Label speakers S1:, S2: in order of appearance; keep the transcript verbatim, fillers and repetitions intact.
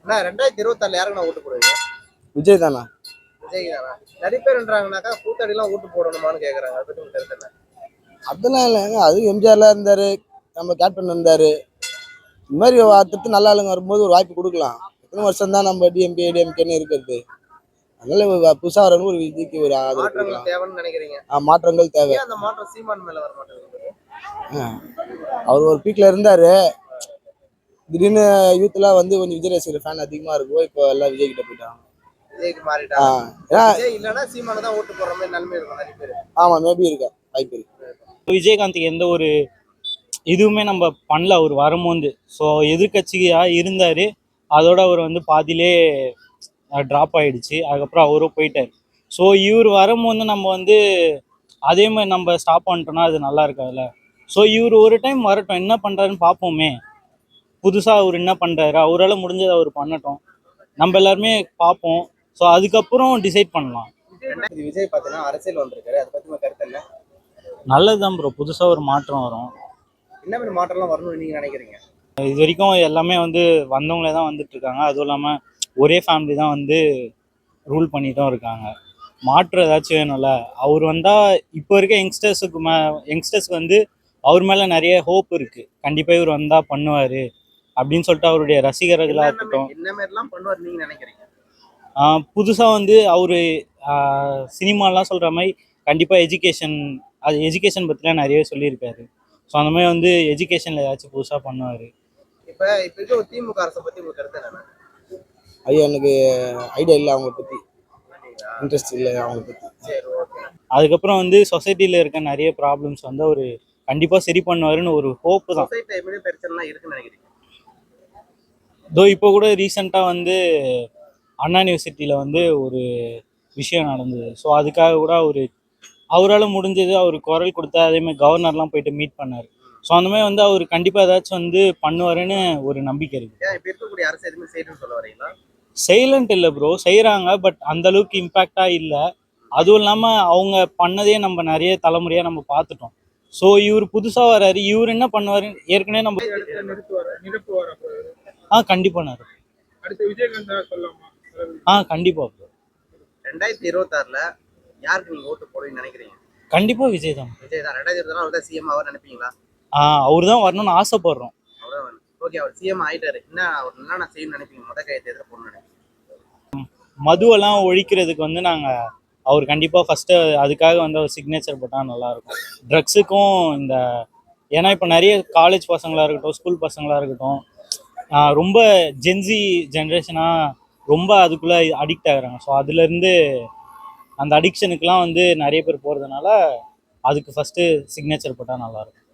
S1: அண்ணா ரெண்டாயிரத்தி இருபத்தி ஆறுல யாருக்கு நான் ஓட்டு போடுவீங்க?
S2: விஜய் தானா?
S1: விஜய் தானா? நிறைய பேர் என்றாங்கனாக்கா கூத்தாடிலாம் ஓட்டு போடணுமான்னு கேக்குறாங்க. அதை பத்தி உங்களுக்கு கருத்து என்ன?
S2: அதெல்லாம் இல்லைங்க. அது எம்ஜிஆர்லாம் இருந்தாரு, நம்ம கேப்டன் இருந்தாரு. இந்த மாதிரி அடுத்தடுத்து நல்ல ஆளுங்க வரும்போது ஒரு வாய்ப்பு கொடுக்கலாம். எத்தனை வருஷம் தான் நம்ம டிஎம்கே டிஎம்கேன்னு இருக்கிறது? அதனால புதுசா வரவங்க ஒரு விஜய்க்கு ஒரு ஆதரவு
S1: மாற்றங்கள்
S2: கொடுக்கலாம்.
S1: தேவைன்னு நினைக்கிறீங்க?
S2: மாற்றங்கள் தேவை.
S1: ஏன் அந்த மாற்றம் சீமான் மேல வர மாட்டேங்குது?
S2: அவர் ஒரு பீக்ல இருந்தாரு. திடீர்னு யூத்லாம் வந்து கொஞ்சம் விஜய் ரசிகர் ஃபேன் அதிகமா இருக்கும். இப்போ எல்லாம் விஜய் கிட்ட போயிட்டாங்க.
S1: விஜய்க்கு மாறிட்டாங்க. விஜய் இல்லைன்னா சீமானை தான் ஓட்டு போடுற மாதிரி நிலைமை இருக்கும் நிறைய பேர்.
S2: ஆமா, மேபி இருக்கா, வாய்ப்பு இருக்கு.
S3: விஜயகாந்த் எந்த ஒரு இதுவுமே நம்ம பண்ணல அவர் வரும்போது. ஸோ எதிர்கட்சியா இருந்தார், அதோட அவர் வந்து பாதியிலே ட்ராப் ஆகிடுச்சு. அதுக்கப்புறம் அவரும் போயிட்டார். ஸோ இவர் வரும்போது நம்ம வந்து அதே மாதிரி நம்ம ஸ்டாப் பண்ணிட்டோம்னா அது நல்லா இருக்காதுல்ல. ஸோ இவர் ஒரு டைம் வரட்டும், என்ன பண்ணுறாருன்னு பார்ப்போமே. புதுசாக அவர் என்ன பண்ணுறாரு, அவரால் முடிஞ்சதை அவர் பண்ணட்டும், நம்ம எல்லாருமே பார்ப்போம். ஸோ அதுக்கப்புறம் டிசைட் பண்ணலாம்.
S1: விஜய் பார்த்தீங்கன்னா அரசியல் வந்திருக்காரு, அதை பற்றி கருத்து என்ன?
S3: நல்லதுதான் ப்ரோ, புதுசாக ஒரு மாற்றம் வரும்.
S1: என்ன மாதிரி மாற்றம்லாம் வரணும்னு நீங்கள் நினைக்கிறீங்க?
S3: இது வரைக்கும் எல்லாமே வந்து வந்தவங்களே தான் வந்துட்டு இருக்காங்க. அதுவும் இல்லாமல் ஒரே ஃபேமிலி தான் வந்து ரூல் பண்ணிட்டும் இருக்காங்க. மாற்றம் ஏதாச்சும் வேணும்ல. அவர் வந்தால் இப்போ இருக்க யங்ஸ்டர்ஸுக்கு மே யங்ஸ்டர்ஸ்க்கு வந்து அவர் மேலே நிறைய ஹோப் இருக்குது. கண்டிப்பாக இவர் வந்தால் பண்ணுவார் அப்படின்னு சொல்லிட்டு அவருடைய ரசிகர்களாக இருக்கட்டும்.
S1: என்ன மாதிரிலாம் பண்ணுவார் நீங்கள் நினைக்கிறீங்க?
S3: புதுசாக வந்து அவர் சினிமாலாம் சொல்கிற மாதிரி கண்டிப்பாக எஜுகேஷன் அது எஜுகேஷன் பற்றிலாம் நிறையவே சொல்லியிருக்காரு. ஸோ அந்த மாதிரி வந்து எஜுகேஷனில் ஏதாச்சும் புதுசாக பண்ணுவார்.
S1: இப்போ இப்போ இருக்க ஒரு திமுக அரசை பற்றி உங்களுக்கு கருத்து என்ன?
S2: ஐயா, எனக்கு ஐடியா இல்லை அவங்களை பற்றி, இன்ட்ரெஸ்ட் இல்லை அவங்களை பற்றி.
S1: சரி, ஓகே.
S3: அதுக்கப்புறம் வந்து சொசைட்டியில் இருக்க நிறைய ப்ராப்ளம்ஸ் வந்து அவர் கண்டிப்பாக சரி பண்ணுவாருன்னு ஒரு ஹோப்பு தான்.
S1: சொசைட்டியில் எப்படி பிரச்சனைலாம் இருக்குன்னு நினைக்கிறீங்க?
S3: இதோ இப்போ கூட ரீசெண்டாக வந்து அண்ணா யூனிவர்சிட்டியில் வந்து ஒரு விஷயம் நடந்தது. ஸோ அதுக்காக கூட அவர் அவரால் முடிஞ்சது அவர் குரல் கொடுத்தா. அதேமாதிரி கவர்னர்லாம் போயிட்டு மீட் பண்ணார். ஸோ அந்த மாதிரி வந்து அவர் கண்டிப்பாக ஏதாச்சும் வந்து பண்ணுவாருன்னு ஒரு நம்பிக்கை இருக்குது.
S1: இப்போ இருக்கக்கூடிய அரசு எதுவுமே செய்யணும்னு சொல்ல வரீங்களா?
S3: சைலண்ட் இல்லை ப்ரோ, செய்கிறாங்க. பட் அந்த அளவுக்கு இம்பேக்டாக இல்லை. அதுவும் இல்லாமல் அவங்க பண்ணதே நம்ம நிறைய தலைமுறையாக நம்ம பார்த்துட்டோம். ஸோ இவர் புதுசாக வர்றாரு, இவர் என்ன பண்ணுவார் ஏற்கனவே நம்ம ஆ கண்டிப்பாக ஆ கண்டிப்பாக ப்ரோ.
S1: ரெண்டாயிரத்தி இருபத்தி ஆறுல யாருக்கு நீங்க ஓட்டு போடுவீங்கன்னு நினைக்கிறீங்க?
S3: கண்டிப்பா விஜய் தான்.
S1: விஜய் தான். ரெண்டாயிரத்தி இருபத்தி ஆறு அவர் தான் சிஎம் ஆவார் நினைப்பீங்களா?
S3: ஆ அவர் தான் வரணும்னு ஆசைப்படுறோம்.
S1: ஓகே, அவர் சிஎம் ஆயிட்டாரு, என்ன அவர் என்ன நான் செய்யணும்னு நினைப்பீங்க? முத கையெழுத்து எதிர போடணும்னு நினைப்பீங்க?
S3: மதுவெல்லாம் ஒழிக்கிறதுக்கு வந்து நாங்கள் அவர் கண்டிப்பாக ஃபஸ்ட்டு அதுக்காக வந்து அவர் சிக்னேச்சர் போட்டால் நல்லாயிருக்கும். ட்ரக்ஸுக்கும் இந்த ஏன்னா இப்போ நிறைய காலேஜ் பசங்களாக இருக்கட்டும், ஸ்கூல் பசங்களாக இருக்கட்டும், ரொம்ப ஜென்சி ஜென்ரேஷனாக ரொம்ப அதுக்குள்ளே அடிக்ட் ஆகுறாங்க. ஸோ அதுலேருந்து அந்த அடிக்ஷனுக்குலாம் வந்து நிறைய பேர் போகிறதுனால அதுக்கு ஃபஸ்ட்டு சிக்னேச்சர் போட்டால் நல்லாயிருக்கும்.